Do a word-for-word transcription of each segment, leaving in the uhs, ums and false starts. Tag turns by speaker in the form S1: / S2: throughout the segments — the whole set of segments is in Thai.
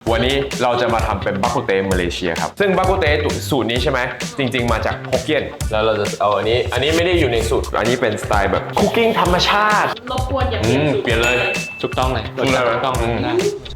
S1: วันนี้เราจะมาทำเป็นบักกุเตมาเลเซียครับซึ่งบักกุเตสูตรนี้ใช่ไหมจริงๆมาจากฮกเกี้ยนแล้วเราจะเอาอันนี้อันนี้ไม่ได้อยู่ในสูตรอันนี้เป็นสไตล์แบบคุกกิ้งธรรมชาติ
S2: รบกวนอย่าเปลี่ยนสูตร
S1: เปลี่ยนเลย
S3: ถูกต้องเลยถูกต้องนะ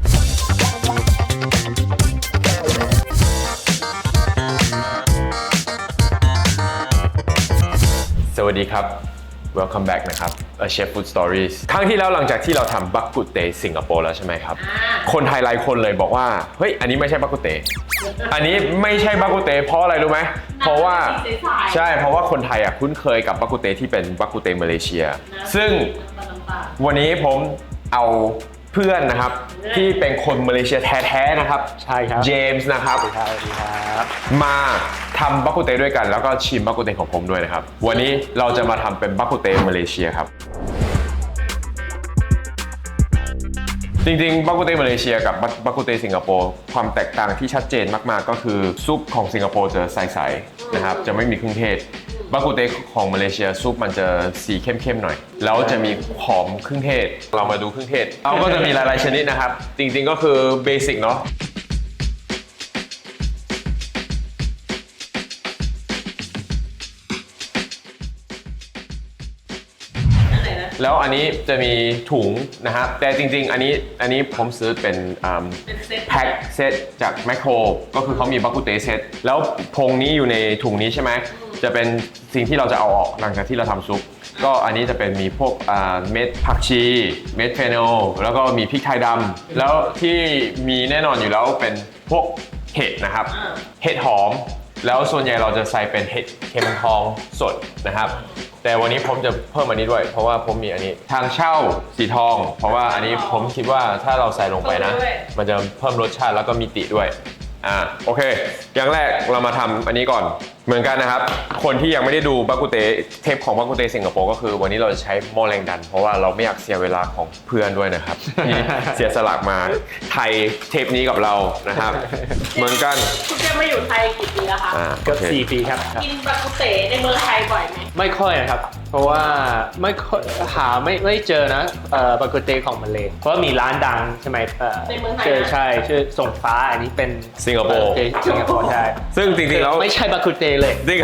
S1: สวัสดีครับ Welcome back นะครับ A Chef Food Stories ครั้งที่แล้วหลังจากที่เราทำบักกุเตสิงคโปร์แล้วใช่ไหมครับคนไทยหลายคนเลยบอกว่าเฮ้ยอันนี้ไม่ใช่บักกุเตอันนี้ไม่ใช่บักกุเตเพราะอะไรรู้ไหมเพราะว่าใช่เพราะว่าคนไทยอ่ะคุ้นเคยกับบักกุเตที่เป็นบักกุเตมาเลเซียซึ่งวันนี้ผมเอาเพื่อนนะครับที่เป็นคนมาเลเซียแท้ๆนะครับ
S3: ใช่ครับ
S1: เจมส์นะครับ
S3: สวัสดีครับ
S1: มาทำบักกุเตด้วยกันแล้วก็ชิมบักกุเตของผมด้วยนะครับวันนี้เราจะมาทำเป็นบักกุเตมาเลเซียครับจริงๆบักกุเตมาเลเซียกับบักกุเตสิงคโปร์ความแตกต่างที่ชัดเจนมากๆก็คือซุปของสิงคโปร์จะใสๆนะครับจะไม่มีเครื่องเทศบักกุเตของมาเลเซียซุปมันจะสีเข้มๆหน่อยแล้วจะมีหอมเครื่องเทศเรามาดูเครื่องเทศเราก็จะมีหลายๆชนิดนะครับจริงๆก็คือเบสิกเนาะแล้วอันนี้จะมีถุงนะครับแต่จริงๆอันนี้อันนี้ผมซื้อเป็นแพ็คเซตจากแมคโครก็คือเขามีบักกุเตเซตแล้วพงนี้อยู่ในถุงนี้ใช่ไหมจะเป็นสิ่งที่เราจะเอาออกหลังจากที่เราทำซุปก็อันนี้จะเป็นมีพวกเม็ดผักชีเม็ดเฟนอลแล้วก็มีพริกไทยดำแล้วที่มีแน่นอนอยู่แล้วเป็นพวกเห็ดนะครับเห็ดหอมแล้วส่วนใหญ่เราจะใส่เป็นเห็ดเข็มทองสดนะครับแต่วันนี้ผมจะเพิ่มอันนี้ด้วยเพราะว่าผมมีอันนี้ทางเช่าสีทองเพราะว่าอันนี้ผมคิดว่าถ้าเราใส่ลงไปนะมันจะเพิ่มรสชาติแล้วก็มีติด้วยอ่าโอเคอย่างแรกเรามาทำอันนี้ก่อนเหมือนกันนะครับคนที่ยังไม่ได้ดูบักกุเตเทปของบักกุเตสิงคโปร์ก็คือวันนี้เราจะใช้หม้อแรงดันเพราะว่าเราไม่อยากเสียเวลาของเพื่อนด้วยนะครับที่เสียสละมาไทยเทปนี้กับเรานะครับเหมือนกัน
S2: คุณเจมมาอยู่ไทยกี่ปีแล้วคะ
S3: เกือบสี่ปีครับ
S2: กินบักกุเตในเมืองไทยบ่อยไหม
S3: ไม่ค่อยนะครับเพราะว่าไม่หาไม่ไม่เจอนะบักกุเตของมาเลเพราะมีร้านดังใช่ไหม
S2: ในเมืองไทย
S3: ใช่ชื่อส่งฟ้าอันนี้เป็น
S1: สิงคโปร์
S3: สิงคโปร์ใช่
S1: ซึ่งจริงๆแล้ว
S3: ไม่ใช่บักกุเตเลย
S1: จริง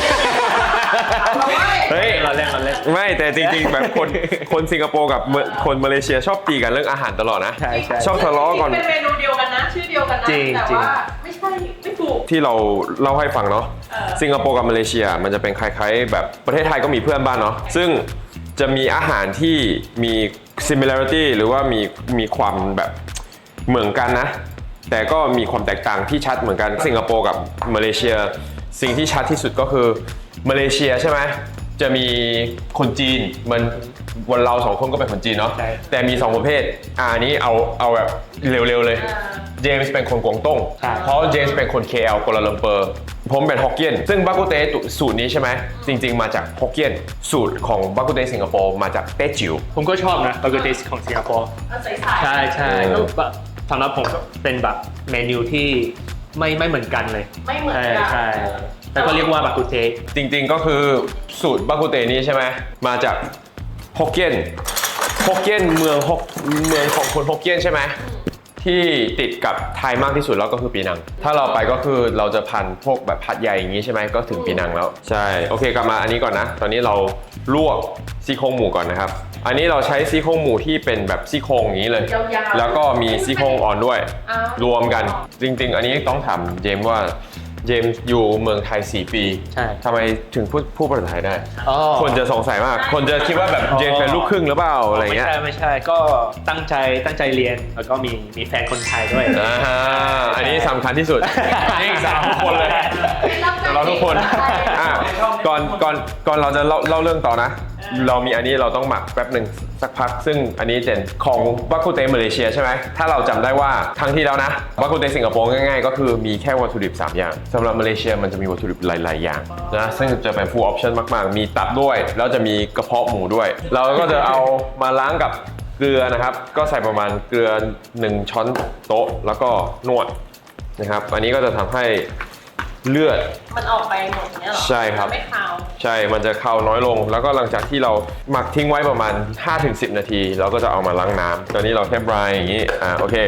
S1: เฮ้ย
S3: เราเล่นเราเล่น
S1: ไม่แต่จริงๆแบบคนคนสิงคโปร์กับคนมาเลเซียชอบตีกันเรื่องอาหารตลอดนะ
S3: ใช่ใช่
S1: ชอบทะเลาะก่อน
S2: เป็นเมนูเดียวกันนะชื่อเดียวกันนะแต่ว่าไม่ใช่ไม่ถูก
S1: ที่เราเล่าให้ฟังเนาะสิงคโปร์กับมาเลเซียมันจะเป็นคล้ายๆแบบประเทศไทยก็มีเพื่อนบ้านเนาะซึ่งจะมีอาหารที่มี similarity หรือว่ามีมีความแบบเหมือนกันนะแต่ก็มีความแตกต่างที่ชัดเหมือนกันสิงคโปร์กับมาเลเซียสิ่งที่ชัดที่สุดก็คือมาเลเซียใช่ไหมจะมีคนจีนมันวันเราสองคนก็เป็นคนจีนเนาะแต่มีสองประเภทอันนี้เอาเอาแบบเร็วๆเลยเจมส์เป็นคนกวางตุ้งเพราะเจมส์เป็นคน เค แอล กัวลาลัมเปอร์ผมเป็นฮกเกี้ยนซึ่งบักกุเตสูตรนี้ใช่ไหมจริงๆมาจากฮกเกี้ยนสูตรของบักกุเตสิงคโปร์มาจากเต้จิ๋ว
S3: ผมก็ชอบนะบักกุเตของสิงคโปร์ใช่ใช่สำหรับผมเป็นแบบเมนูที่ไม่ไม่เหมือนกันเลย
S2: ไม่เหมือนกัน
S3: ใช่แต่ก็เรียกว่าบักกุเต
S1: จริงๆก็คือสูตรบักกุเตนี้ใช่ไหมมาจากฮกเกี้ยนฮกเกี้ยนเมืองฮกเมืองของคนฮกเกี้ยนใช่ไหมที่ติดกับไทยมากที่สุดแล้วก็คือปีนังถ้าเราไปก็คือเราจะพันพวกแบบผัดใหญ่อย่างนี้ใช่ไหมก็ถึงปีนังแล้วใช่โอเคกลับมาอันนี้ก่อนนะตอนนี้เราลวกซี่โครงหมูก่อนนะครับอันนี้เราใช้ซี่โครงหมูที่เป็นแบบซี่โครงอย่างนี้เลยแล้วก็มีซี่โครงอ่อนด้วยรวมกันจริงๆอันนี้ต้องถามเจมส์ว่าเจมส์อยู่เมืองไทยสี่ปี
S3: ใช่
S1: ทำไมถึงพูดพูดภาษาไทยได้คนจะสงสัยมากคนจะคิดว่าแบบเจมส์เป็นลูกครึ่งหรือเปล่าอะไรเงี้ย
S3: ไม่ใช่ไม่ใช่ก็ตั้งใจตั้งใจเรียนแล้วก็มีมีแฟนคนไทยด้วย
S1: อ่าอันนี้สำคัญที่สุดนี่สาวทุกคนเลยเราทุกคนอ่ะก่อนก่อนก่อนเราจะเล่าเล่าเรื่องต่อนะเรามีอันนี้เราต้องหมักแป๊บหนึ่งสักพักซึ่งอันนี้เจนของบักกุเตมาเลเซียใช่ไหมถ้าเราจำได้ว่าครั้งที่แล้วนะบักกุเตสิงคโปร์ง่ายๆก็คือมีแค่วัตถุดิบสามอย่างสำหรับมาเลเซียมันจะมีวัตถุดิบหลายๆอย่างนะซึ่งจะเป็น full option มากๆมีตับด้วยแล้วจะมีกระเพาะหมูด้วยเราก็จะเอามาล้างกับเกลือนะครับก็ใส่ประมาณเกลือหนึ่งช้อนโต๊ะแล้วก็นวดนะครับอันนี้ก็จะทำให้เลือด
S2: มันออกไปหมดเนี่ยหรอ
S1: ใช่ครับ
S2: ไม่คาว
S1: ใช่มันจะคาวน้อยลงแล้วก็หลังจากที่เราหมักทิ้งไว้ประมาณ ห้าถึงสิบ นาทีเราก็จะเอามาล้างน้ำตอนนี้เราแค่บรายอย่างนี้อ่าโอเค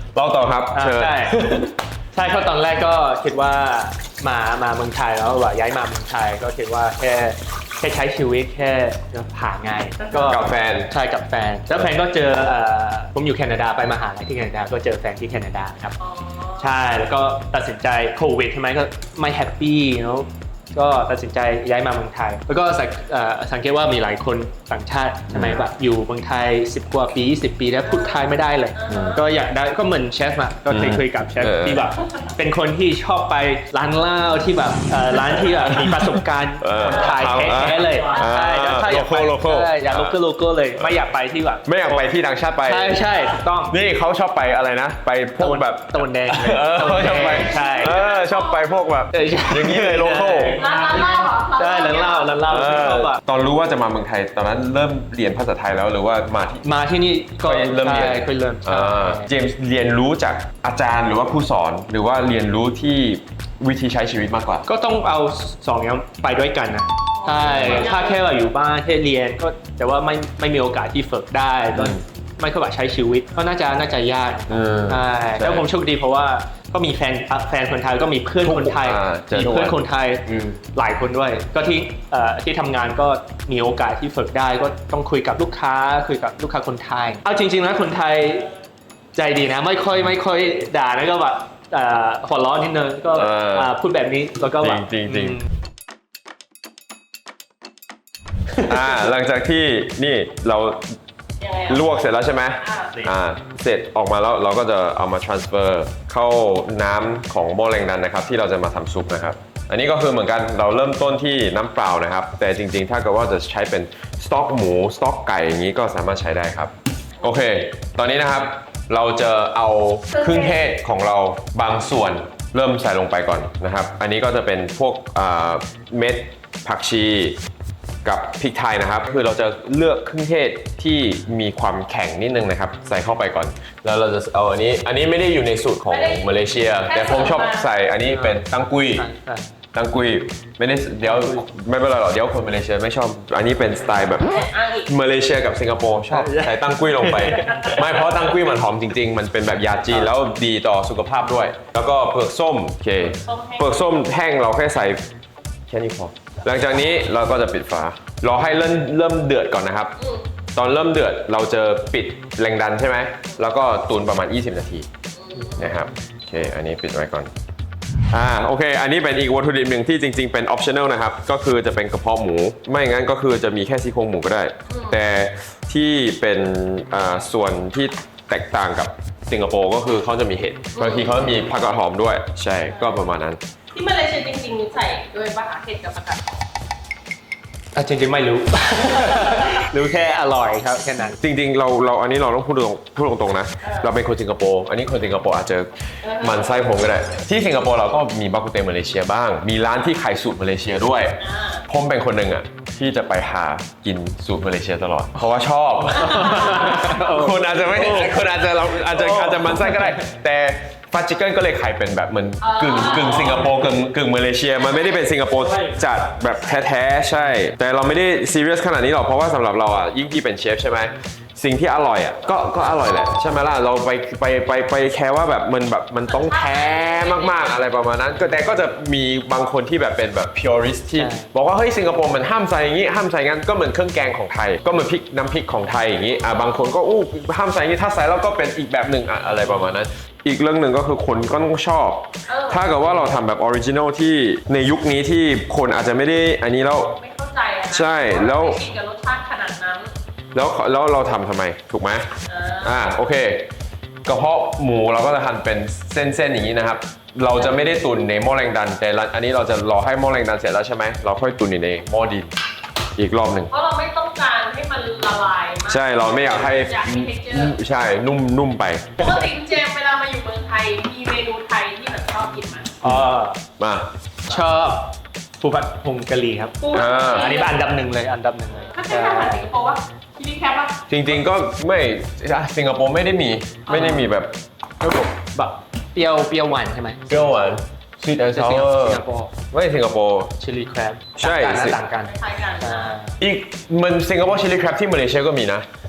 S1: เราต่อครับ
S3: อ่า
S1: เชิญ
S3: ใช่ใช่เพราะตอนแรกก็คิดว่ามามาเมืองไทยแล้วว่าย้ายมาเมืองไทยก็คิดว่าแค่แค่ใช้ชีวิตแค่ผ่านง่ายก็
S1: กับแฟน
S3: ใช่กับแฟนแล้วแฟนก็เจอเอ่อผมอยู่แคนาดาไปมหาลัยที่แคนาดาก็เจอแฟนที่แคนาดาครับ
S2: อ๋อ
S3: ใช่แล้วก็ตัดสินใจโควิดใช่ไหมก็ไม่แฮปปี้เนาะก็ตัดสินใจย้ายมาเมืองไทย แล้วก็สังเอ่อสังเกตว่ามีหลายคนต่างชาติใช่ไหมแบบอยู่เมืองไทยสิบกว่าปียี่สิบปีแล้วพูดไทยไม่ได้เลย ก็อยากได้ก็เหมือนเชฟอะก็เคยคุยกับเชฟ
S1: เออ
S3: ที่แบบเป็นคนที่ชอบไปร้านเหล้าที่แบบเอ่อร้านที่แบบมีประสบการณ์
S1: เออ
S3: คนไทย
S1: เอา
S3: แท้ๆเลย
S1: อ่า
S3: ใช่แต่ถ้าอยากไป
S1: local local
S3: ใช่อยากโลโก้โลโก้เลยไม่อยากไปที่แบบ
S1: ไม่อยากไปที่ต่างชาติไป
S3: ใช่ใช่ถูกต้อง
S1: นี่เขาชอบไปอะไรนะ ไปพวกแบบ
S3: ตะวันแดงเลย
S1: เออ
S3: ตะวัน
S1: ชอบ
S3: แด
S1: ไป
S3: งใช่
S1: เออชอบไปพวกแบบ
S3: เออใช่
S1: อย่างนี้เลยโลโก้
S2: ร้านร้านเหล้าเหรอ
S3: ใช่ร้านเหล้าร้านเหล้าที่ชอบอะ
S1: ตอนรู้ว่าจะมาเมืองไทยตอนนั้นเริ่มเรียนภาษาไทยแล้วหรือว่ามาที่
S3: มาที่นี่ก็
S1: ก็เริ่มเรียน
S3: ใช่เคยเริ่มใช่
S1: อ่าเจมส์เรียนรู้จากอาจารย์หรือว่าผู้สอนหรือว่าเรียนรู้ที่วิธีใช้ชีวิตมากกว่า
S3: ก็ต้องเอาสองอย่างไปด้วยกันนะใช่ถ้าแค่ว่าอยู่บ้านแค่เรียนก็แต่ว่าไม่ไม่มีโอกาสที่ฝึกได้ก็
S1: อืม
S3: ไม่ค่อยแบบใช้ชีวิตก็น่าจะน่าจะยาก
S1: เออ
S3: ใช่แล้วผมโชคดีเพราะว่าก็มีแฟนแฟนคนไทยก็มีเพื่อนคนไทย
S1: อ่าเจอ
S3: มี
S1: ทุกวัน
S3: เพื่อนคนไทย
S1: อืม
S3: หลายคนด้วย ก็ที่เอ่อที่ทำงานก็มีโอกาสที่ฝึกได้ก็ต้องคุยกับลูกค้าคุยกับลูกค้าคนไทย เอาจริงๆนะคนไทยใจดีนะไม่ค่อยไม่ค่อยด่านะก็แบบเอ่อหัวเร้อนนิดนึงก็
S1: เอออ่
S3: าพูดแบบนี้แล้วก็แบบ
S1: จริงๆจริง
S3: อืม
S1: อ่าหลังจากที่นี่เรา
S2: ยังไง
S1: ลวกเสร็จแล้วใช่ไหม
S2: อ่า
S1: อ่าเสร็จออกมาแล้วเราก็จะเอามา transfer เข้าน้ำของหม้อแรงดันนะครับ ที่เราจะมาทำซุปนะครับ อันนี้ก็คือเหมือนกันเราเริ่มต้นที่น้ำเปล่านะครับ แต่จริงๆ ถ้าเกิดว่าจะใช้เป็นสต๊อกหมูสต๊อกไก่อย่างนี้ก็สามารถใช้ได้ครับ โอเค ตอนนี้นะครับเราจะเอาเครื่องเทศของเราบางส่วนเริ่มใส่ลงไปก่อนนะครับ อันนี้ก็จะเป็นพวกอ่าเม็ดผักชีกับพริกไทยนะครับ คือเราจะเลือกเครื่องเทศที่มีความแข็งนิดนึงนะครับ ใส่เข้าไปก่อน แล้วเราจะเอาอันนี้อันนี้ไม่ได้อยู่ในสูตรของมาเลเซีย แต่ผมชอบใส่อันนี้เป็นตังกุย
S3: ใช่ใช่
S1: ตังกุยไม่ได้เดี๋ยวไม่เป็นไรหรอกเดี๋ยวคนมาเลเซียไม่ชอบ อันนี้เป็นสไตล์แบบ
S2: อ้างอีก
S1: มาเลเซียกับสิงคโปร์ชอบใส่ตังกุยลงไป ไม่เพราะตังกุยมันหอมจริง ๆ มันเป็นแบบยาจีนแล้วดีต่อสุขภาพด้วย แล้วก็เปลือกส้มโอเคเปลือกส้มแห้งเราแค่ใส่แค่นี้พอหลังจากนี้เราก็จะปิดฝารอให้เริ่มเริ่มเดือดก่อนนะครับ
S2: อืม
S1: ตอนเริ่มเดือดเราจะปิดแรงดันใช่ไหมแล้วก็ตุนประมาณยี่สิบนาทีนะครับโอเคอันนี้ปิดไว้ก่อนอ่าโอเค อันนี้เป็นอีกวัตถุดิบหนึ่งที่จริงๆเป็น optional นะครับ ก็คือจะเป็นกระเพาะหมู ไม่งั้นก็คือจะมีแค่ซี่โครงหมูก็ได้ แต่ที่เป็นอ่าส่วนที่แตกต่างกับสิงคโปร์ก็คือเขาจะมีเห็ดบางทีเขามีผักกาดหอมด้วย ใช่ก็ประมาณนั้น
S2: ที่มาเลเซียจริงๆใส่ด้วยปะคะเห็ดกับผักกาด
S3: อ่ะจริงๆไม่รู้ รู้แค่อร่อยครับแค่นั้น
S1: จริงๆ เราเราอันนี้เราต้องพูดตรงพูดตรงๆนะ เราเป็นคนสิงคโปร์อันนี้คนสิงคโปร์อาจจะหมันไส้ผมก็ได้ ที่สิงคโปร์เราก็มีบากุเตมาเลเซียบ้าง มีร้านที่ขายสูตรมาเลเซียด้วย
S2: อ่า
S1: ผมเป็นคนหนึ่งอ่ะที่จะไปหากินสูตรมาเลเซียตลอด เพราะว่าชอบ คุณอาจจะไม่ได้คุณอาจจะเราอาจจะอาจจะหมันไส้ก็ได้ แต่ฟาจิเกิลก็เลยขายเป็นแบบเหมือนกึ่งกึ่งสิงคโปร์กึ่งกึ่งมาเลเซีย มันไม่ได้เป็นสิงคโปร์จัดแบบแท้ๆใช่ แต่เราไม่ได้ซีเรียสขนาดนี้หรอกเพราะว่าสำหรับเราอ่ะยิ่งที่เป็นเชฟใช่ไหมสิ่งที่อร่อยอ่ะก็ก็อร่อยแหละใช่ไหมล่ะเราไปไปไปไปแค่ว่าแบบมันแบบมันต้องแท้มากๆอะไรประมาณนั้นก็แต่ก็จะมีบางคนที่แบบเป็นแบบ purist ที่
S3: ใช่
S1: บอกว่าเฮ้ยสิงคโปร์มันห้ามใส่อย่างนี้ห้ามใส่งั้นก็เหมือนเครื่องแกงของไทย ก็เหมือนพริกน้ำพริกของไทยอย่างนี้อ่ะบางคนก็อู้ห้ามใส่อย่างนี้ถ้าใส่แล้วก็เป็นอีกแบบหนึ่งอ่ะอะไรประมาณนั้น อีกเรื่องหนึ่งก็คือคนก็ต้องชอบ
S2: เออ
S1: ถ้าเกิดว่าเราทำแบบออริจินอลที่ในยุคนี้ที่คนอาจจะไม่ได้อันนี้แล้ว
S2: ไม่เข้าใจอะนะ
S1: ใช่แล้ว
S2: ไม่ชินกับรสชาติขนาดนั้น
S1: แล้วแล้วเราทำทำไมถูกไหม
S2: อ่า
S1: อ่าโอเคกระเพาะหมูเราก็จะหั่นเป็นเส้นๆอย่างนี้นะครับ เราจะไม่ได้ตุนในหม้อแรงดัน แต่ละอันนี้เราจะรอให้หม้อแรงดันเสร็จแล้วใช่ไหมเราค่อยตุนอยู่ในหม้อดินอีกรอบหนึ่ง
S2: เพราะเราไม่ต้องการให้มันละลายมาก
S1: ใช่เราไม่อยากให้
S2: อยากให้ texture
S1: ใช่นุ่มนุ่มไป
S2: ปกติคุณเจมส์เวลามาอยู่เมืองไทยมีเมนูไทยที่แบบชอบกินไหม
S3: อ๋อ
S1: มา
S3: ชอบปูผัดผงกะหรี่ครับ
S2: ปู
S1: อ่า
S3: อันนี้เป็นอันดับหนึ่งเลยอันดับหนึ่งเลย
S2: ถ้าใช่อาหารสิงคโปร์วะชิลลี่แคปปะ
S1: จริงๆก็ไม่อ่ะสิงคโปร์ไม่ได้มีไม่ได้มีแบบ
S3: แบบเปรี้ยวเปรี้ยวหวานใช่ไหม
S1: เปรี้ยวหวาน sweet and
S3: แต่สิง
S1: sour
S3: สิงคโปร์
S1: ไม่สิงคโปร์
S3: ชิลลี่แครบ
S1: ใช่
S3: ต่างกันนะต่างกัน
S2: คล้ายๆกัน
S3: อ่า
S1: อีกมันสิงคโปร์ชิลลี่ครบที่มาเลเซียก็มีนะ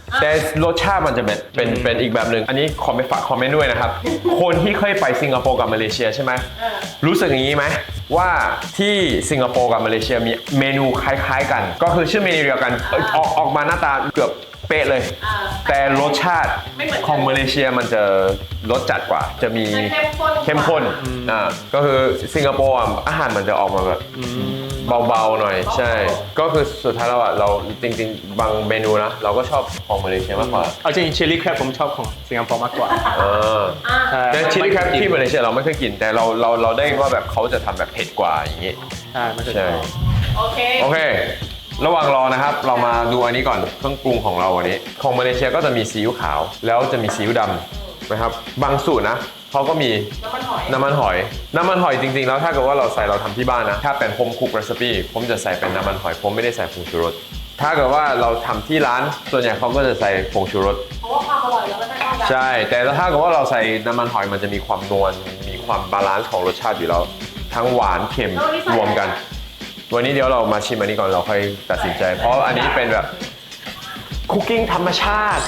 S1: แต่รสชาติมันจะเป็นเป็นเป็นอีกแบบหนึ่งอันนี้ขอไปฝากคอมเมนต์ด้วยนะครับ คนที่เคยไปสิงคโปร์กับมาเลเซียใช่ไหมรู้สึกอย่างนี้ไหมว่าที่สิงคโปร์กับมาเลเซียมีเมนูคล้ายๆกัน ก็คือชื่อเมนูเดียวกันเอ้ยออกออกมาหน้าตาเกือบเป๊ะเลย แต่รสชาติของมาเลเซียมันจะรสจัดกว่าจะมีเข้มข้นอ่าก็คือสิงคโปร์อ่ะอาหารมันจะออกมาแบบเบาๆหน่อยใช่ ก็คือสุดท้ายแล้วอ่ะเราจริงๆบางเมนูนะเราก็ชอบของมาเลเซียมากกว่า
S3: เอาจริงชิลลี่แครบผมชอบของสิงคโปร์มากกว่า
S1: เออ
S3: ใช่
S1: แต่ชิลลี่แครบที่มาเลเซียเราไม่เคยกินแต่เราเราเราได้ว่าแบบเขาจะทำแบบเผ็ดกว่าอย่างงี้
S3: ใช่ไม่เคย
S1: ใช่
S2: โอเค
S1: โอเค ระหว่างรอนะครับ เรามาดูอันนี้ก่อนเครื่องปรุงของเราวันนี้ ของมาเลเซียก็จะมีซีอิ๊วขาว แล้วจะมีซีอิ๊วดำนะครับ บางสูตรนะเขาก็มี
S2: น้ำมันหอย
S1: น้ำมันหอย น้ำมันหอยจริงๆ แล้วถ้าเกิดว่าเราใส่เราทำที่บ้านนะ ถ้าเป็นโฮมคุกเรซิปีผมจะใส่เป็นน้ำมันหอย ผมไม่ได้ใส่ผงชูรส ถ้าเกิดว่าเราทำที่ร้าน ส่วนใหญ่เขาก็จะใส่ผงชูรส
S2: เพราะว่าความอร่อยแล้วมันไม่เท่ากัน
S1: ใช่ แต่ถ้าเกิดว่าเราใส่น้ำมันหอยมันจะมีความนวล มีความบาลานซ์ของรสชาติอยู่แล้ว ทั้งหวานเค็มรวมกัน วันนี้เดี๋ยวเรามาชิมอันนี้ก่อนเราค่อยตัดสินใจ เพราะอันนี้เป็นแบบคุกกิ้งธรรมชาติ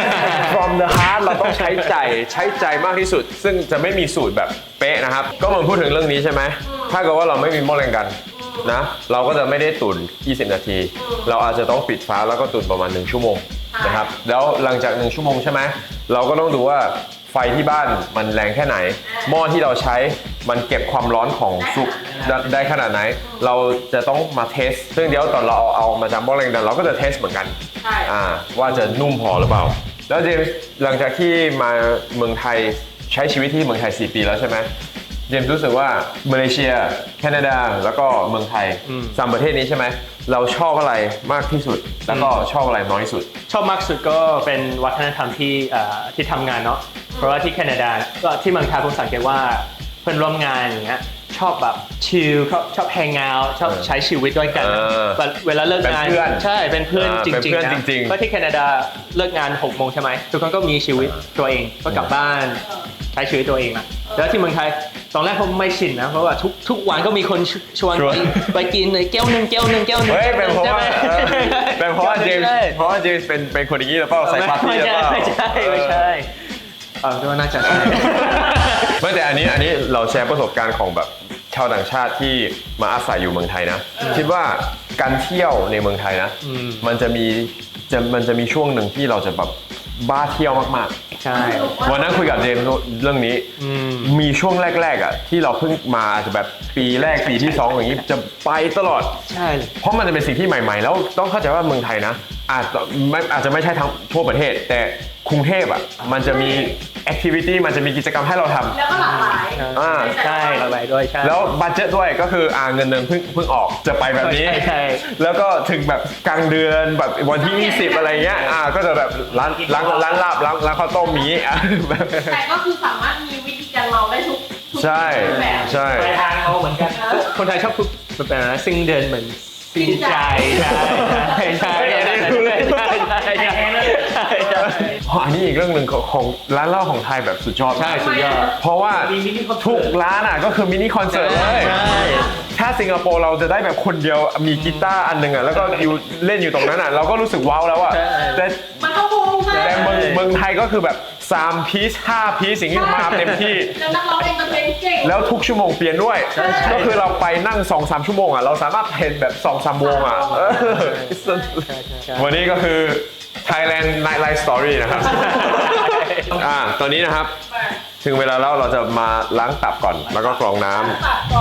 S1: from the heart เราต้องใช้ใจใช้ใจมากที่สุด ซึ่งจะไม่มีสูตรแบบเป๊ะนะครับ ก็เหมือนพูดถึงเรื่องนี้ใช่ไหม ถ้าเกิดว่าเราไม่มีหม้อแรงกันนะ เราก็จะไม่ได้ตุ๋นยี่สิบนาที เราอาจจะต้องปิดฝาแล้วก็ตุ๋นประมาณหนึ่งชั่วโมงนะครับ แล้วหลังจากหนึ่งชั่วโมงใช่ไหม เราก็ต้องดูว่าไฟที่บ้านมันแรงแค่ไหน หม้อที่เราใช้มันเก็บความร้อนของซุปได้ได้ขนาดไหน เราจะต้องมาเทส ซึ่งเดี๋ยวตอนเราเอาเอามาจากหม้อแรงดันเราก็จะเทสเหมือนกัน
S2: ใช่
S1: อ่าว่าจะนุ่มพอหรือเปล่า แล้วเจมส์หลังจากที่มาเมืองไทยใช้ชีวิตที่เมืองไทยสี่ปีแล้วใช่ไหมเจมส์รู้สึกว่ามาเลเซียแคนาดาแล้วก็เมืองไทยสามประเทศนี้ใช่ไหมเราชอบอะไรมากที่สุด แล้วก็ชอบอะไรน้อยที่สุด
S3: ชอบมากสุดก็เป็นวัฒนธรรมที่เอ่อที่ทำงานเนาะเพราะว่าที่แคนาดาก็ที่เมืองไทยผมสังเกตว่าเพื่อนร่วมงานอย่างเงี้ยชอบแบบชิลชอบชอบแฮงเอาท์ชอบใช้ชีวิตด้วยกัน
S1: เออ
S3: แบบเวลาเลิกงาน
S1: เป็นเพื่อน
S3: ใช่เป็นเพื่อน
S1: อ่า
S3: จ
S1: เป็น
S3: ริง
S1: เพื่อน
S3: ๆนะ
S1: จริงๆ
S3: เพราะที่แคนาดาเลิกงานหกโมงใช่ไหมทุกคนก็มีชีวิตตัวเองก็กลับบ้านใช้ชีวิตตัวเองอะแล้วที่เมืองไทยตอนแรกผมไม่ชินนะเพราะว่าทุกทุกวันก็มีคนชวน
S1: ชวน
S3: ไปไปกินเลยแก้วหนึ่งแก้วหนึ่งแก้วหนึ่ง
S1: เฮ้ยเป็นเพราะ
S3: ใช่
S1: ว่า
S3: ไหม
S1: เออเป็นเพราะว่าเจมส์
S3: ใช่
S1: เพราะว่าเจมส์เป็นเป็นคนอย่างนี้หรือเปล่าใส่ปาร์ตี้
S3: ไม่
S1: หรือ
S3: ใช่
S1: เปล่า
S3: ไม่ใช่ไม่ใช่เออก็น่าจะใช่
S1: ไม่แต่อันนี้อันนี้เราแชร์ประสบการณ์ของแบบชาวต่างชาติที่มาอาศัยอยู่เมืองไทยนะ คิดว่าการเที่ยวในเมืองไทยนะ
S3: อืม
S1: มันจะมีจะมันจะมีช่วงหนึ่งที่เราจะแบบบ้าเที่ยวมาก
S3: ใช่
S1: ๆ วันนั้นคุยกับเจมส์เรื่องนี้
S3: อืม
S1: มีช่วงแรกๆอ่ะที่เราเพิ่งมาอาจจะแบบปีแรกปีที่สองอย่างนี้จะไปตลอด
S3: ใช่เลย
S1: เพราะมันจะเป็นสิ่งที่ใหม่ๆ แล้วต้องเข้าใจว่าเมืองไทยนะอาจจะไม่อาจจะไม่ใช่ทั้งทั่วประเทศ แต่กรุงเทพอ่ะมันจะมีแอคทิวิตี้มันจะมีกิจกรรมให้เราทำ
S2: แล้วก็หลากหลาย
S1: อ่า
S3: ใช่ระบายด้วยใช่
S1: แล้วบัตเจ็ตด้วยก็คืออ่าเงินเดือนเพิ่งเพิ่งออกจะไปแบบนี้
S3: ใช่ใช่
S1: แล้วก็ถึงแบบกลางเดือนแบบวันที่ยี่สิบอะไรเงี้ยอ่าก็จะแบบร้านร้านร้านลาบร้านร้านข้าวต้มมีอ่ะแบบ
S2: แต่ก็คือสามารถมีวิธีการเมาได้ทุกทุก
S1: ใช่
S2: แบบ
S1: ใช่
S3: ไปทางเขาเหมือนกันคนไทยชอบพูดแบบนั้นนะซิ่งเดินเหมือนซิ่งใจใช่ใช่ใช่ใช่ใช่ใช่ใช่ใช่
S1: อ๋ออันนี้อีกเรื่องหนึ่งของของร้านเหล้าของไทยแบบสุดยอด
S3: ใช่สุดยอด
S1: เพราะว่าทุกร้านอ่ะก็คือมินิคอนเสิร์ตเลย
S3: ใช่
S1: ถ้าสิงคโปร์เราจะได้แบบคนเดียวมีกีตาร์อันหนึ่งอ่ะแล้วก็อยู่เล่นอยู่ตรงนั้นอ่ะเราก็รู้สึกว้าวแล้วอ่ะ
S3: ใช่
S1: แต่
S2: มันก็วงไง
S1: แต่เมืองเมืองไทยก็คือแบบสามพีซห้าพีซสิ่งที่มาเต็มที่
S2: แล้วนักร้องเองมันเป็นเก่ง
S1: แล้วทุกชั่วโมงเปลี่ยนด้วย
S3: ใช่ใช่
S1: ก็คือเราไปนั่ง สองสาม ชั่วโมงอ่ะเราสามารถเห็นแบบ สองสาม วงอ่ะเออวันนี้ก็คือ Thailand Nightlife Story นะครับ อ่าตอนนี้นะครับ ถึงเวลาแล้วเราจะมาล้างตับก่อน แล้วก็กรองน้ำ
S2: ตัดก่อน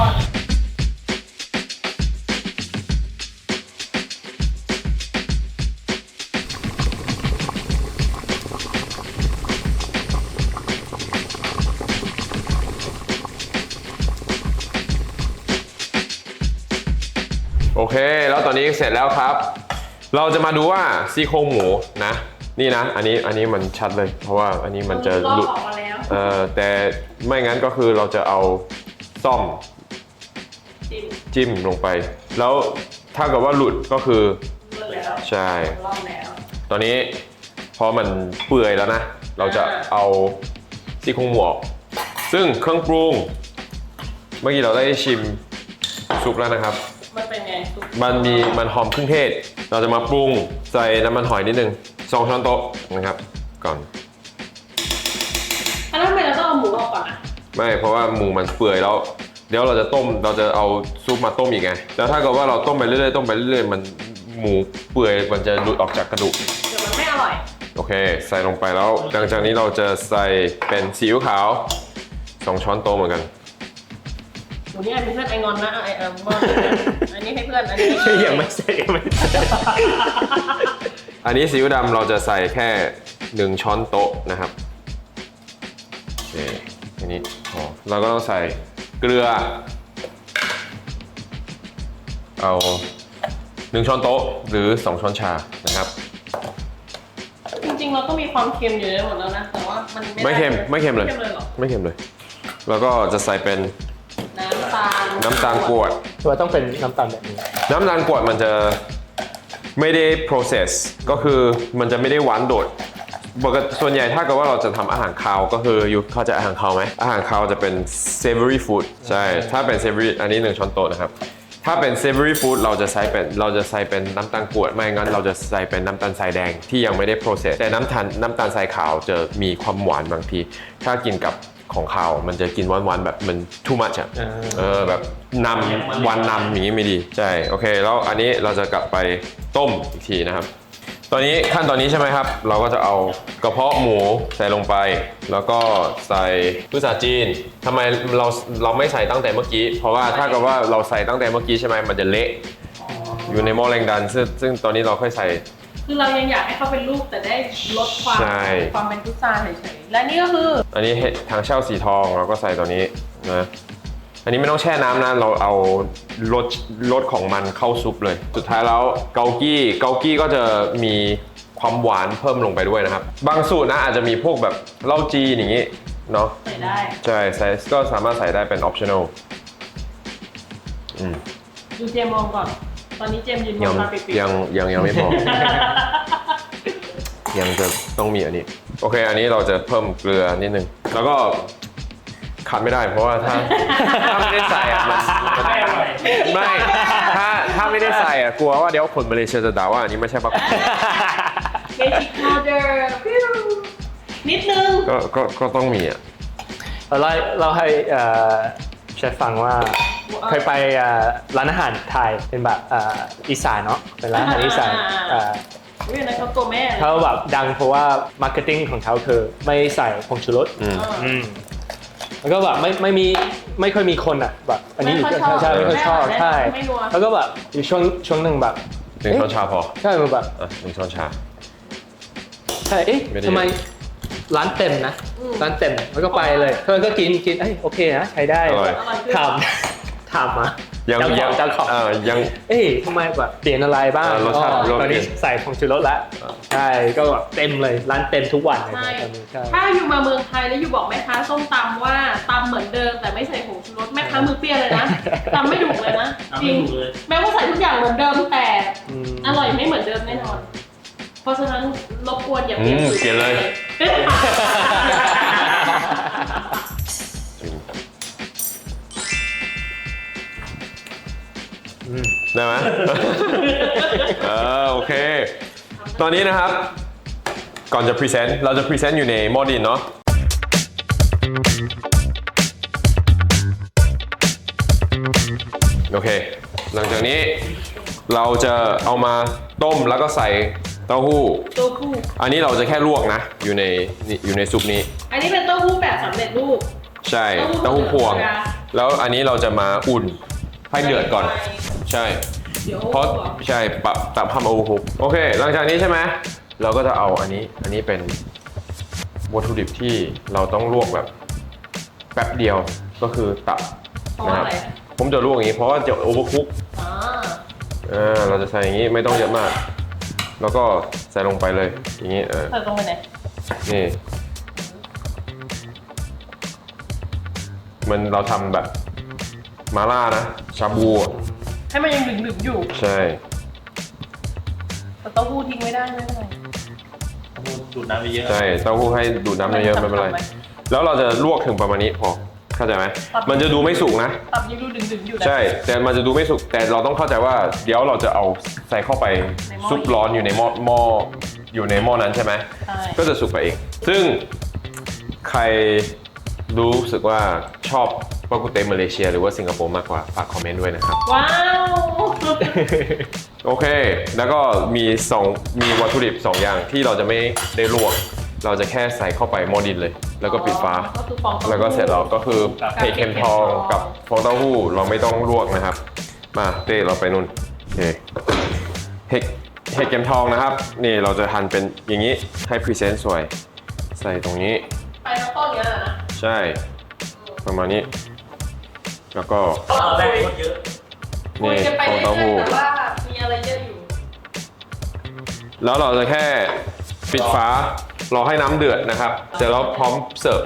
S1: โอเค แล้วตอนนี้เสร็จแล้วครับ เราจะมาดูว่าซี่โครงหมูนะ นี่นะ อันนี้อันนี้มันชัดเลย เพราะว่าอันนี้มันจะ
S2: ล
S1: ห
S2: อ
S1: ลุ
S2: ก
S1: ด
S2: ออกมาแล้ว
S1: เอ่อแต่ไม่งั้นก็คือเราจะเอาซ่อม
S2: จิ้ม
S1: จิ้มลงไป แล้วถ้าเกิดว่าหลุดก็คือ
S2: เลิกแล้ว
S1: ใช่
S2: ลอกแล้ว
S1: ตอนนี้พอมันเปื่อยแล้วนะ เราจะเอาซี่โครงหมูออกซึ่งเครื่องปรุง เมื่อกี้เราได้ชิมซุปแล้วนะครับ
S2: มันเป็นไงซุป
S1: มันมีมันหอมเครื่องเทศ เราจะมาปรุงใส่น้ำมันหอยนิดนึงสองช้อนโต๊ะนะครับก่อน
S2: แล้วทำไมเราต้องเอาหมูออกก่อนอ่ะ
S1: ไม่เพราะว่าหมูมันเปื่อยแล้วเดี๋ยวเราจะต้มเราจะเอาซุปมาต้มอีกไงแล้วถ้าเกิดว่าเราต้มไปเรื่อยๆต้มไปเรื่อยๆมันหมูเปื่อยมันจะหลุดออกจากกระดูก
S2: เดี๋ยวมันไม่อร่อย
S1: โอเคใส่ลงไปแล้วหลังจากนี้เราจะใส่เป็นซีอิ๊วขาวสองช้อนโต๊ะเหมือนกัน
S2: หมูนี่ไอ้เพื่อนไอ้งอนนะไอ้เออมอนอันนี้ให้เพื่อนอันนี้
S3: ยังไม่เสร็จยังไม่เสร็จ
S1: อันนี้ซีอิ๊วดำเราจะใส่แค่หนึ่งช้อนโต๊ะนะครับโอเคอันนี้พอเราก็ต้องใส่เกลือเอาหนึ่งช้อนโต๊ะหรือสองช้อนชานะครับ
S2: จริงๆเราก็มีความเค็มอยู่ในหมดแล้วนะแต่ว่ามัน
S1: ไม่เค็มไม่เค็มเลย
S2: ไม่เค็มเลยเหรอ
S1: ไม่เค็มเลย แล้วก็จะใส่เป็น
S2: น้ำตาล
S1: น้ำตาลกรวด
S3: ตัวต้องเป็นน้ำตาลแบบนี้
S1: น้ำตาลกรวดมันจะไม่ได้ process ก็คือมันจะไม่ได้หวานโดดปกติส่วนใหญ่ถ้าเกิดว่าเราจะทำอาหารคาวก็คืออยู่เข้าใจอาหารคาวไหมอาหารคาวจะเป็น savory food ใช่ถ้าเป็น savory อันนี้หนึ่งช้อนโต๊ะนะครับถ้าเป็น savory food เราจะใส่เป็นเราจะใส่เป็นน้ำตาลกรวดไม่งั้นเราจะใส่เป็นน้ำตาลทรายแดงที่ยังไม่ได้ process แต่น้ำตาลน้ำตาลทรายขาวจะมีความหวานบางทีถ้ากินกับของขาวมันจะกินหวานๆแบบมัน too much อะเออแบบนำหวานนำอย่างนี้ไม่ดีใช่โอเคแล้วอันนี้เราจะกลับไปต้มอีกทีนะครับตอนนี้ขั้นตอนนี้ใช่ไหมครับ เราก็จะเอากระเพาะหมูใส่ลงไป แล้วก็ใส่พุทราจีนทำไมเราเราไม่ใส่ตั้งแต่เมื่อกี้ เพราะว่าถ้าเกิดว่าเราใส่ตั้งแต่เมื่อกี้ใช่ไหมมันจะเละอยู่ในหม้อแรงดันซึ่งซึ่งตอนนี้เราค่อยใส่
S2: คือเรายังอยากให้เขาเป็นลูกแต่ได้ลดความ
S1: ใช่
S2: ความเป็นพุทราเฉยๆและนี่ก็คือ
S1: อันนี้เห็ดทางเช่าสีทองเราก็ใส่ตัวนี้นะอันนี้ไม่ต้องแช่น้ำนะเราเอารสรสของมันเข้าซุปเลย สุดท้ายแล้วเกากี้เกากี้ก็จะมีความหวานเพิ่มลงไปด้วยนะครับบางสูตรนะอาจจะมีพวกแบบเหล้าจีนอย่างนี้เนาะ
S2: ใส่ได้
S1: ใช่ใส่ก็สามารถใส่ได้เป็น optional อืม
S2: ดูเจมมองก่อน ตอนนี้เจมยืนม
S1: ยั
S2: อง งตาปิดๆ
S1: ยังยังยังไม่พอ ยังจะต้องมีอันนี้โอเคอันนี้เราจะเพิ่มเกลือนิดนึงแล้วก็ขาดไม่ได้เพราะว่าถ้า ถ้าไม่ได้ใส่อะมันมันไม่ถ้าถ้าไม่ได้ใส่อะกลัวว่าเดี๋ยวคนมาเลเซียจะด่าว่าอันนี้ไม่ใช่ปัก
S2: เบสิกพาวเดอร์นิดนึง
S1: ก็ก็ก็ต้องมีอ่ะ
S3: เราเล่าเราให้เอ่อเชฟฟังว่าเคยไปเอ่อร้านอาหารไทยเป็นแบบเอ่ออีสานเนาะเป็นร้านอาหารอีสานเอ่อ
S2: เรื่องนั้นเขาตัวแม่เลย
S3: เขาแบบดังเพราะว่ามาร์เก็ตติ้งของเขาคือไม่ใส่ผงชูรส
S1: อืม
S3: อืมแล้วก็แบบไม่ไม่มีไม่ค่อยมีคนอ่ะแบบอันนี้อยู่ใช่ไม่ค่อยชอบใช่แล้วก็แบบอยู่ช่วงช่วงหนึ่งแบบ
S1: หนึ่งช้อนชาพอ
S3: ใช่มันแบบ
S1: อ่ะหนึ่งช้อนชา
S3: ใช่เอ๊ะ
S1: ไม่ได้
S3: ทำไมร้านเต็มนะร้านเต็มแล้วก็ไปเลยเพื่อนก็กินกินเอ้ยโอเคนะใช้ได้
S1: อร่อย
S3: ถามถามมา
S1: ยัง
S3: เจ้าข
S1: ยั
S3: อง งเจ้าของ
S1: เอ่อยัง
S3: เอ้ยทำไมแบบเปลี่ยนอะไรบ้าง
S1: เออรสชาติ
S3: ก็
S1: รส
S3: ตอนนี้
S1: เปลี่ยน
S3: ใส่ผงชูรสแล้วใช่ก็แบบเต็มเลยร้านเต็มทุกวันเลย
S2: ใช่
S3: ตอนนี้ใช่
S2: ถ้าอยู่มาเมืองไทยแล้วอยู่บอกแม่ค้าส้มตำว่าตำเหมือนเดิมแต่ไม่ใส่ผงชูรสแม่ค้ามือเปรี้ยวเลยนะตำไม่ถูกเลยนะจริงแม้ว่าใส่ทุกอย่างเหมือนเดิมแต่
S3: อืม
S2: อร่อยไม่เหมือนเดิมแน่นอน เพราะฉะนั้นรบกวนอย่าเปลี่ยน
S1: อืม
S2: สูตร
S1: เปลี่ยนเลย
S3: อืม
S1: ได้ไหม เออโอเค ตอนนี้นะครับ ก่อนจะพรีเซนต์เราจะพรีเซนต์อยู่ในหม้อดินเนาะโอเค หลังจากนี้เราจะเอามาต้มแล้วก็ใส่เต้าหู้
S2: เต้าหู้
S1: อันนี้เราจะแค่ลวกนะ อยู่ในนี่อยู่ในซุปนี้
S2: อันนี้เป็นเต้าหู้แบบสำเร็จรูป
S1: ใช่
S2: เต้า
S1: เต้า
S2: หู้
S1: หู้พวง
S2: ธรรมดา
S1: แล้วอันนี้เราจะมาอุ่นให้เดือดก่อน ใช่
S2: เดี๋ยว
S1: เพราะใช่ปรับตับทำเอาหุกโอเค หลังจากนี้ใช่ไหมเราก็จะเอาอันนี้อันนี้เป็นวัตถุดิบที่เราต้องลวกแบบแป๊บเดียวก็คือตับ
S2: เพราะ
S1: นะ
S2: ว่า
S1: ครับ
S2: อะไร
S1: ผมจะลวกอย่างนี้เพราะว่าจะโอเวอร์คุก
S2: อ่า
S1: อ่าเราจะใส่อย่างนี้ไม่ต้องเยอะมาก แล้วก็ใส่ลงไปเลยอย่างนี้เออ
S2: ใส่ตรงไปไหน
S1: นี่มันเราทำแบบมาล่านะชาบูอะ
S2: ให้มันยังหนึบๆอยู่
S1: ใช่
S2: แต่เต้าหู้ทิ้งไม่ได้ไม่เป็นไร
S4: ดูดน้ำไปเยอะ
S1: ใช่เต้าหู้ให้ดูดน้ำเยอะๆไม่เป็นไร แล้วเราจะลวกถึงประมาณนี้พอเข้าใจไหมมันจะดูไม่สุกนะ
S2: ตับยังดูดึงๆอยู่นะ
S1: ใช่แต่มันจะดูไม่สุกแต่เราต้องเข้าใจว่าเดี๋ยวเราจะเอาใส่เข้าไป
S2: ในหม้อ
S1: ซุปร้อนอยู่ในหม้อหม้ออยู่ในหม้อนั้นใช่ไหม
S2: ใช่
S1: ก็จะสุกไปเอง ซึ่งใครรู้สึกว่าชอบปากุเตมาเลเซียหรือว่าสิงคโปร์มากกว่าฝากคอมเมนต์ด้วยนะครับ
S2: ว้าว
S1: โอเค แล้วก็มีสองมีวัตถุดิบสองอย่างที่เราจะไม่ได้ลวก เราจะแค่ใส่เข้าไปหม้อดินเลย แล้วก็ปิดฝา
S2: ก็คือฟองเต้าหู้
S1: แล้วก็เสร็จแล้วก็คือเห็ดเข็มทองกับฟองเต้าหู้เราไม่ต้องลวกนะครับ มาเต้เราไปนู่นโอเคเห็ดเห็ดเข็มทองนะครับ นี่เราจะหั่นเป็นอย่างนี้ให้พรีเซนต์สวย ใส่ตรงนี้
S2: ไปทั้งต้นเนี้ยนะ
S1: ใช่ ประมาณนี้ แล้วก็
S4: ตอนแรกคนเยอะ
S2: คุย
S1: นี่
S2: กันไป
S1: ฟอง
S2: เรื่
S1: เต้า
S2: อย
S1: หู้
S2: ๆแต่ว่ามีอะไรเยอะอยู่
S1: แล้วเราจะแค่ปิดฝารอให้น้ำเดือดนะครับเสร็จแล้วพร้อมเสิร์ฟ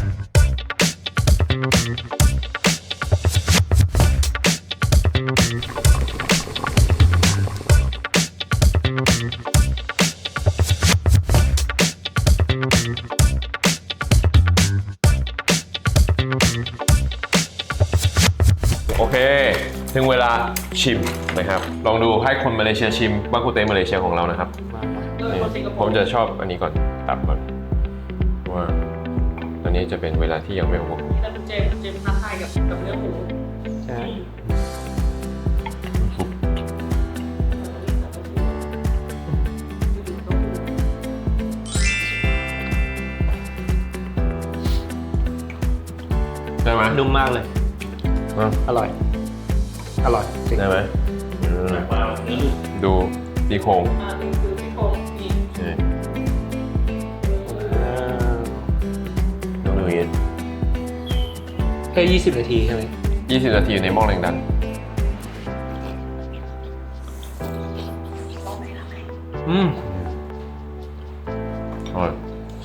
S1: โอเค ถึงเวลาชิมนะครับ ลองดูให้คนมาเลเซียชิมบากุเตมาเลเซียของเรานะครับ
S2: เออคนสิงคโป
S1: ผม
S2: ร์
S1: จะชอบอันนี้ก่อน ตับก่อนว่าอันนี้จะเป็นเวลาที่ยังไม่โอเค
S2: แต่คุณเจมส์คุณเจมส์ท้าทายกับกับเนื้อหมู
S3: ใช่
S1: ได้ไหม
S3: นุ่มมากเลย
S1: อ่ะ
S3: อร่อย อร่อยจริง
S1: ได้ไหมอืม
S4: ว่าเนื้อ
S1: ดูดีโครง
S2: อ่านี่คือซี่โครงนี่
S1: นี่
S3: อ่า
S1: ดูอย่างนี้
S3: แค่ยี่สิบนาทีใช่ไหม
S1: ยี่สิบนาทีในหม้อแรงดัน
S3: อืม
S1: อร่อย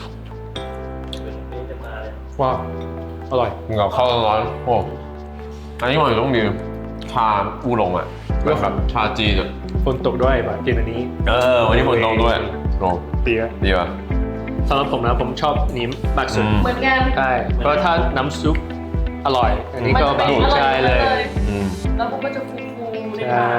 S4: จะมาเลย
S3: ว้าวอร่อย
S1: กินกับข้าวร้อนๆโอ้อันนี้มันต้องมีชาอูหลงอ่ะแบบแบบชาจีนอ่ะ
S3: ฝนตกด้วยแบบกินอันนี้
S1: เออ วันนี้ฝนตกด้วยโอ้
S3: ดีอะ
S1: ดีป่ะ
S3: สำหรับผมนะผมชอบนี้มากสุด
S1: อืม
S2: เหมือนกัน
S3: ใช่เพราะถ้าน้ำซุปอร่อย อันนี้ก็
S2: มัน
S3: แบ
S2: จะ
S3: บ
S2: เป็นอร่อย
S3: ใช่เลย
S1: อืม
S2: แล้วมันก็จะฟูๆใน
S3: ใช่
S2: ปาก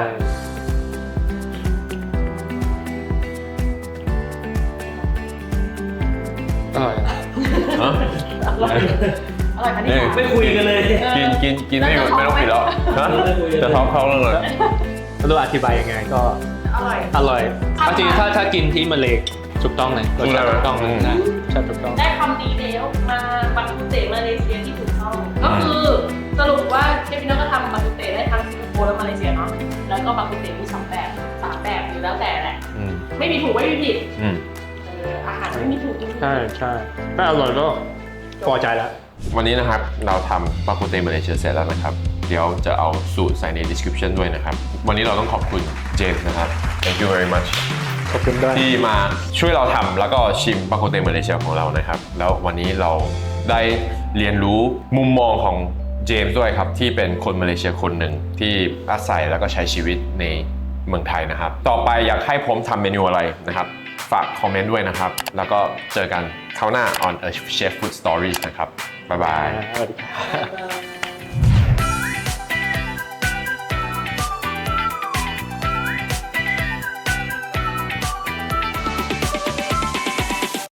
S3: อร่อย
S1: ฮะ
S2: อร่อยอร่อยค่ะนี่
S1: นี่
S4: ไม่คุยกันเลย
S1: กินกินกินไม่ไม่ต้องปิดแล้วฮะจะท้องเข้าแล้วเลย
S3: ไม่รู้อธิบายยังไงก็
S2: อร่อย
S3: อร่อยเอาจริงๆถ้าถ้ากินที่มาเลถูกต้องเลยรสชาติถูกต้องเลยนะใช่ถูกต้อง
S2: ได้คำดีแล้วมาบัตตุเตะมาเลเซียที่ถูกต้องก็คือสรุปว่าเชฟพี่น้องก็ทำบัตตุเตะได้ทั้งสิงคโปร์และมาเลเซียเนาะแล้วก็บัตตุเตะมีสองแบบสามแบบอยู่แล้วแต่แหละ
S1: อืม
S2: ไม่มีถูกไม่มีผิด
S1: อืม
S2: เอออาหารไม่มีถูกไม่มีผิด
S3: ใช่ใช่ถ้าอร่อยก็พอใจแล้ว
S1: วันนี้นะครับเราทำปากุเตมาเลเซียเสร็จแล้วนะครับ เดี๋ยวจะเอาสูตรใส่ใน description ด้วยนะครับ วันนี้เราต้องขอบคุณเจมส์นะครับ thank you very much
S3: ขอบคุณด้วย
S1: ที่มาช่วยเราทำแล้วก็ชิมปากุเตมาเลเซียของเรานะครับ แล้ววันนี้เราได้เรียนรู้มุมมองของเจมส์ด้วยครับ ที่เป็นคนมาเลเซียคนหนึ่งที่อาศัยแล้วก็ใช้ชีวิตในเมืองไทยนะครับ ต่อไปอยากให้ผมทำเมนูอะไรนะครับ ฝากคอมเมนต์ด้วยนะครับ แล้วก็เจอกันคราวหน้า on a chef food stories นะครับ บ๊ายบาย
S3: สวัสดีครับ